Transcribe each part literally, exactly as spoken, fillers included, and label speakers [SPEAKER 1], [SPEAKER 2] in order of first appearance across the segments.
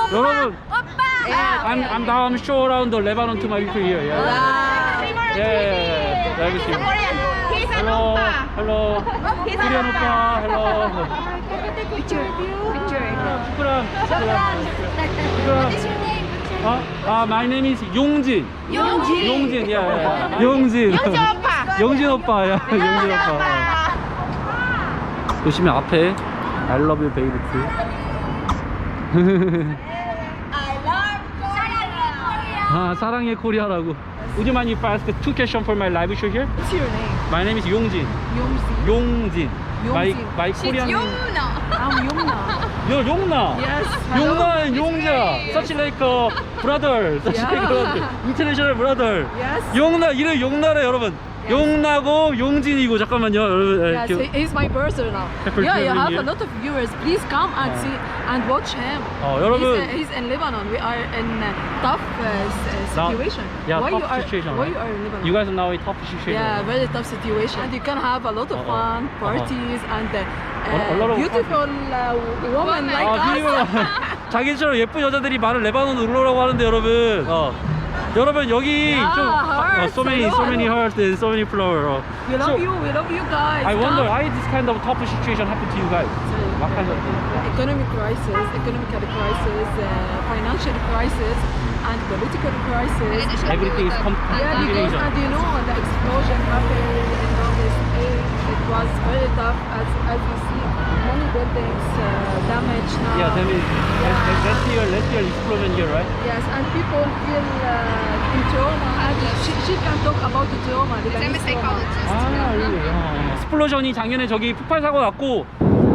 [SPEAKER 1] 여러분,
[SPEAKER 2] Yeah.
[SPEAKER 1] I'm I'm down show around the Lebanon to my people here. Yeah. Yeah, yeah, yeah. Let me see.
[SPEAKER 2] He's an
[SPEAKER 1] Hello,
[SPEAKER 2] oppa.
[SPEAKER 1] hello.
[SPEAKER 2] He's
[SPEAKER 1] Korean
[SPEAKER 2] an
[SPEAKER 1] oppa. Hello.
[SPEAKER 2] Picture. Picture.
[SPEAKER 1] 슈크란. 슈크란.
[SPEAKER 2] What's your name?
[SPEAKER 1] 아, 아, my name is 용진.
[SPEAKER 2] 용진.
[SPEAKER 1] 용진, 야, 야. 용진.
[SPEAKER 2] 용진 오빠.
[SPEAKER 1] 용진 오빠야. 용진 오빠. 보시면 앞에 I love you 베이루트. 아, 사랑해 코리아라고. Would you mind if I ask two questions for my live show here?
[SPEAKER 3] What's your name?
[SPEAKER 1] My name is 용진.
[SPEAKER 3] Yomsi.
[SPEAKER 1] 용진. My
[SPEAKER 3] 용진.
[SPEAKER 1] my Korean name.
[SPEAKER 3] I'm Yomna.
[SPEAKER 1] You're 용나.
[SPEAKER 3] Yes.
[SPEAKER 1] 용나 and 용자. Such like a brother. Such
[SPEAKER 3] Yeah.
[SPEAKER 1] like a brother. International brother.
[SPEAKER 3] Yes.
[SPEAKER 1] 용나 이름 용나래 여러분. 용나고 용진이고 잠깐만요 여러분.
[SPEAKER 3] Yes,
[SPEAKER 1] 이렇게-
[SPEAKER 3] he- he's my brother now.
[SPEAKER 1] Pepper
[SPEAKER 3] Yeah, you
[SPEAKER 1] Green
[SPEAKER 3] have
[SPEAKER 1] here.
[SPEAKER 3] a lot of viewers. Please come and
[SPEAKER 1] Oh.
[SPEAKER 3] see and watch him.
[SPEAKER 1] 어, 여러분.
[SPEAKER 3] He's, uh, he's in Lebanon. We are in a tough uh, s- uh,
[SPEAKER 1] Now-
[SPEAKER 3] situation.
[SPEAKER 1] yeah,
[SPEAKER 3] why
[SPEAKER 1] tough
[SPEAKER 3] you are,
[SPEAKER 1] situation,
[SPEAKER 3] Why
[SPEAKER 1] right?
[SPEAKER 3] you are in Lebanon?
[SPEAKER 1] You guys are now in tough situation.
[SPEAKER 3] Yeah, very tough situation. And you can have a lot of
[SPEAKER 1] Uh-oh.
[SPEAKER 3] fun,
[SPEAKER 1] Uh-huh.
[SPEAKER 3] parties, and uh,
[SPEAKER 1] A- a lot of
[SPEAKER 3] beautiful uh, women like
[SPEAKER 1] 아,
[SPEAKER 3] us.
[SPEAKER 1] 비리고 자기처럼 예쁜 여자들이 많은 레바논 놀러라고 하는데 여러분. 어. 여러분 여기
[SPEAKER 3] Yeah,
[SPEAKER 1] 좀 어,
[SPEAKER 3] hearts,
[SPEAKER 1] so many
[SPEAKER 3] I know,
[SPEAKER 1] so
[SPEAKER 3] I
[SPEAKER 1] many
[SPEAKER 3] know.
[SPEAKER 1] hearts and so many flowers. 어.
[SPEAKER 3] We love
[SPEAKER 1] So,
[SPEAKER 3] you. We love you guys.
[SPEAKER 1] I wonder
[SPEAKER 3] Come.
[SPEAKER 1] why this kind of tough situation happened to you guys. What kind of
[SPEAKER 3] Economic crisis, economical crisis, uh, financial crisis, and political crisis.
[SPEAKER 1] everything is com-
[SPEAKER 3] Yeah, because
[SPEAKER 1] combination.
[SPEAKER 3] and you know the explosion happened in August eighth. It was very tough, as as you see, many buildings uh, damaged now.
[SPEAKER 1] Yeah, tell me. Last year, last year explosion here, right?
[SPEAKER 3] Yes, and people feel uh, in trauma. And she, she can talk about the trauma. The
[SPEAKER 2] I'm a
[SPEAKER 3] Lebanese trauma.
[SPEAKER 2] psychologist.
[SPEAKER 1] 아, really? 어. 스플로전이 작년에 저기 폭발 사고 났고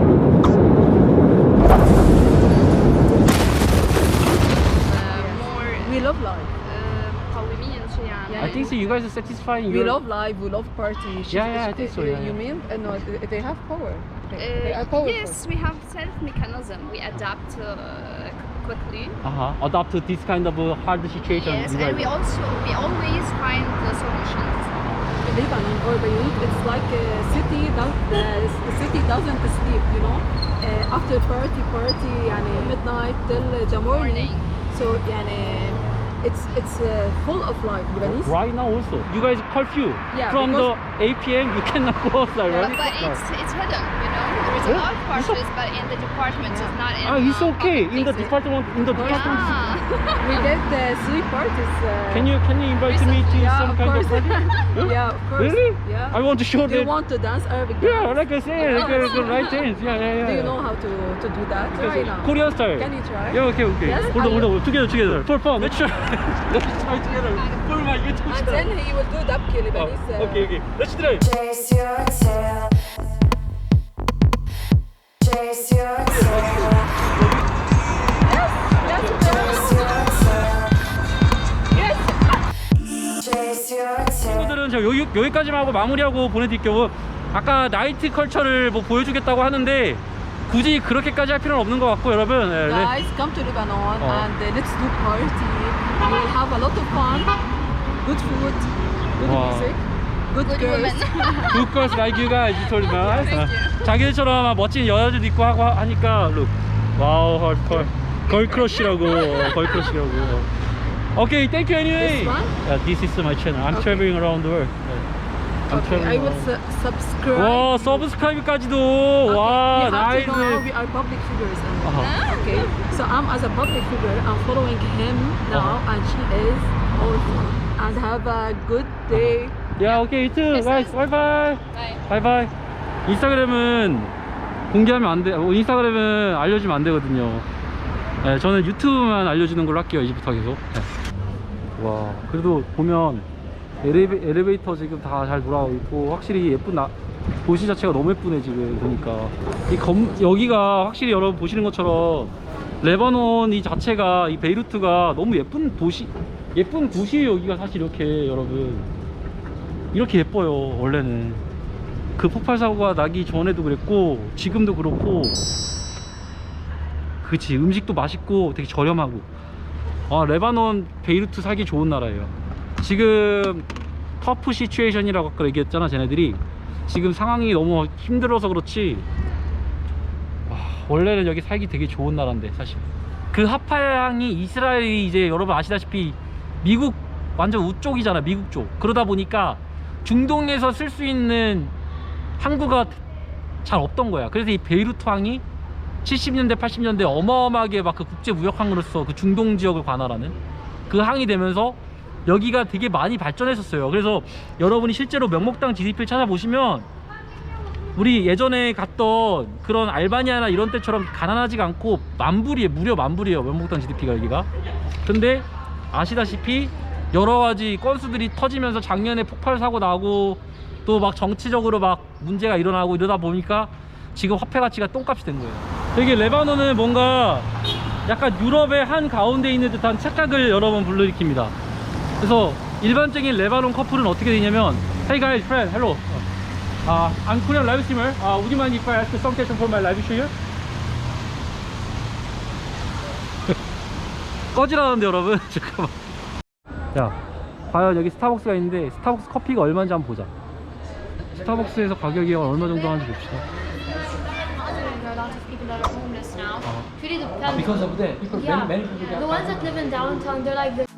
[SPEAKER 2] More
[SPEAKER 3] We love life.
[SPEAKER 2] قوميا شوي يعني.
[SPEAKER 1] I think so you guys are satisfying
[SPEAKER 3] We
[SPEAKER 1] your
[SPEAKER 3] love life. We love party. She-
[SPEAKER 1] Yeah, yeah, I
[SPEAKER 3] she-
[SPEAKER 1] think so,
[SPEAKER 3] uh,
[SPEAKER 1] yeah,
[SPEAKER 3] You
[SPEAKER 1] yeah.
[SPEAKER 3] mean uh, no? they- They have power. They, they
[SPEAKER 2] Uh,
[SPEAKER 3] are powerful.
[SPEAKER 2] yes, we have self mechanism. We adapt uh, quickly.
[SPEAKER 1] uh-huh. adapt to this kind of uh, hard situation.
[SPEAKER 2] Yes,
[SPEAKER 1] you
[SPEAKER 2] and
[SPEAKER 1] guys
[SPEAKER 2] we
[SPEAKER 1] are.
[SPEAKER 2] also we always find the solutions.
[SPEAKER 3] Lebanon or Beirut, it's like a city that the city doesn't sleep. You know, uh, after party, party, يعني midnight till the morning.
[SPEAKER 2] Morning.
[SPEAKER 3] So يعني it's it's uh, full of life. Lebanese.
[SPEAKER 1] Right now also you guys curfew
[SPEAKER 3] Yeah,
[SPEAKER 1] from the
[SPEAKER 3] because-
[SPEAKER 1] eight p m you cannot go outside,
[SPEAKER 2] But,
[SPEAKER 1] right?
[SPEAKER 2] but it's it's hidden, you know. There is a
[SPEAKER 1] Yeah,
[SPEAKER 2] lot of
[SPEAKER 1] it's
[SPEAKER 2] parties, but in the department, it's not in.
[SPEAKER 1] Ah, it's
[SPEAKER 2] uh,
[SPEAKER 1] okay
[SPEAKER 2] public
[SPEAKER 1] in the
[SPEAKER 2] places.
[SPEAKER 1] department in the department.
[SPEAKER 2] Yeah.
[SPEAKER 3] We did uh, three parties. Uh,
[SPEAKER 1] Can you can you invite me to
[SPEAKER 3] Yeah,
[SPEAKER 1] some
[SPEAKER 3] of
[SPEAKER 1] kind
[SPEAKER 3] course.
[SPEAKER 1] of party?
[SPEAKER 3] Yeah, of course.
[SPEAKER 1] Really?
[SPEAKER 3] Yeah.
[SPEAKER 1] I want to show
[SPEAKER 3] Do you
[SPEAKER 1] that.
[SPEAKER 3] want to dance Arabic
[SPEAKER 1] Yeah,
[SPEAKER 3] dance?
[SPEAKER 1] like I said, like a good right dance. Yeah, yeah, yeah.
[SPEAKER 3] Do you know how to, to do that? Try now.
[SPEAKER 1] Korean style.
[SPEAKER 3] Can you try?
[SPEAKER 1] Yeah, okay, okay.
[SPEAKER 3] Yes,
[SPEAKER 1] hold on,
[SPEAKER 3] I-
[SPEAKER 1] hold on. Together, together. For fun. Let's try. Let's try together. For my YouTube
[SPEAKER 3] And
[SPEAKER 1] channel.
[SPEAKER 3] then he will do dabki
[SPEAKER 1] Oh,
[SPEAKER 3] Lebanese. uh,
[SPEAKER 1] okay, okay. Let's try.
[SPEAKER 4] Chase your tail. Chase your tail. Chase your tail.
[SPEAKER 1] 친구들은 저 여기, 여기까지만 하고 마무리하고 보내드릴게요. 아까 나이트 컬처를 뭐 보여주겠다고 하는데 굳이 그렇게까지 할 필요는 없는 것 같고 여러분. 네, 네.
[SPEAKER 3] Guys, come to Lebanon
[SPEAKER 1] Oh.
[SPEAKER 3] and uh, let's do party. We will have a lot of fun. Good food, good
[SPEAKER 1] Wow.
[SPEAKER 3] music, good,
[SPEAKER 2] Good
[SPEAKER 3] girls.
[SPEAKER 2] women.
[SPEAKER 1] Good girls like you guys, you told me.
[SPEAKER 2] Thank you.
[SPEAKER 1] 자기들처럼 멋진 여자들도 있고 하고 하니까 look. 와우, 헐, 걸 크러쉬라고, 걸 크러쉬라고. Okay, thank you anyway.
[SPEAKER 3] This one?
[SPEAKER 1] Yeah, this is my channel. I'm
[SPEAKER 3] Okay.
[SPEAKER 1] traveling around the world. I'm
[SPEAKER 3] Okay, I
[SPEAKER 1] traveling
[SPEAKER 3] will
[SPEAKER 1] around.
[SPEAKER 3] su- subscribe.
[SPEAKER 1] 와, 서브스크라이브까지도.
[SPEAKER 3] Okay,
[SPEAKER 1] 와,
[SPEAKER 3] you have to know
[SPEAKER 1] 나이스.
[SPEAKER 3] we are public figures. And
[SPEAKER 1] Uh-huh.
[SPEAKER 3] Okay, so I'm as a public figure. I'm following him now,
[SPEAKER 1] Uh-huh.
[SPEAKER 3] and she is also. And have a good day.
[SPEAKER 1] Yeah, okay, you too.
[SPEAKER 2] Yes,
[SPEAKER 1] Guys,
[SPEAKER 2] yes.
[SPEAKER 1] bye bye.
[SPEAKER 2] Bye.
[SPEAKER 1] bye bye. 인스타그램은 공개하면 안 돼. 어, 인스타그램은 알려주면 안 되거든요. 네, 저는 유튜브만 알려주는 걸로 할게요. 이제부터 계속. 네. 와, 그래도 보면 엘리베, 엘리베이터 지금 다 잘 돌아가고 있고 확실히 예쁜 나, 도시 자체가 너무 예쁘네 지금 보니까. 이 검, 여기가 확실히 여러분 보시는 것처럼 레바논 이 자체가 이 베이루트가 너무 예쁜 도시, 예쁜 도시예요. 여기가 사실 이렇게 여러분 이렇게 예뻐요. 원래는 그 폭발 사고가 나기 전에도 그랬고 지금도 그렇고. 그치, 음식도 맛있고 되게 저렴하고. 아, 레바논 베이루트 살기 좋은 나라예요. 지금 터프 시츄에이션이라고 아까 얘기했잖아. 쟤네들이 지금 상황이 너무 힘들어서 그렇지 와, 원래는 여기 살기 되게 좋은 나라인데 사실. 그 하파향이 이스라엘이 이제 여러분 아시다시피 미국 완전 우쪽이잖아, 미국 쪽. 그러다 보니까 중동에서 쓸 수 있는 항구가 잘 없던 거야. 그래서 이 베이루트 항이 칠십 년대 팔십 년대 어마어마하게 막 그 국제 무역 항으로서 그 중동 지역을 관할하는 그 항이 되면서 여기가 되게 많이 발전했었어요. 그래서 여러분이 실제로 명목당 지디피를 찾아보시면 우리 예전에 갔던 그런 알바니아나 이런 때처럼 가난하지가 않고 만불이에요. 무려 만불이에요, 명목당 지디피가 여기가. 근데 아시다시피 여러 가지 건수들이 터지면서 작년에 폭발 사고 나고 또 막 정치적으로 막 문제가 일어나고 이러다 보니까 지금 화폐 가치가 똥값이 된 거예요. 되게 레바논은 뭔가 약간 유럽의 한 가운데 있는 듯한 착각을 여러 번 불러일으킵니다. 그래서 일반적인 레바논 커플은 어떻게 되냐면, Hey guys, friend, hello. Uh, I'm Korean live streamer. Uh, would you mind if I ask you some question for my live stream? 꺼지라는데 여러분. 잠깐만. 자, 과연 여기 스타벅스가 있는데 스타벅스 커피가 얼마인지 한번 보자. 스타벅스에서 가격이 얼마 정도 하는지 봅시다.
[SPEAKER 5] There are lots of people that are homeless now.
[SPEAKER 1] Uh-huh.
[SPEAKER 5] Really depends.
[SPEAKER 1] Because of that, people,
[SPEAKER 5] Yeah.
[SPEAKER 1] many, many people
[SPEAKER 5] The ones that live in downtown, they're like the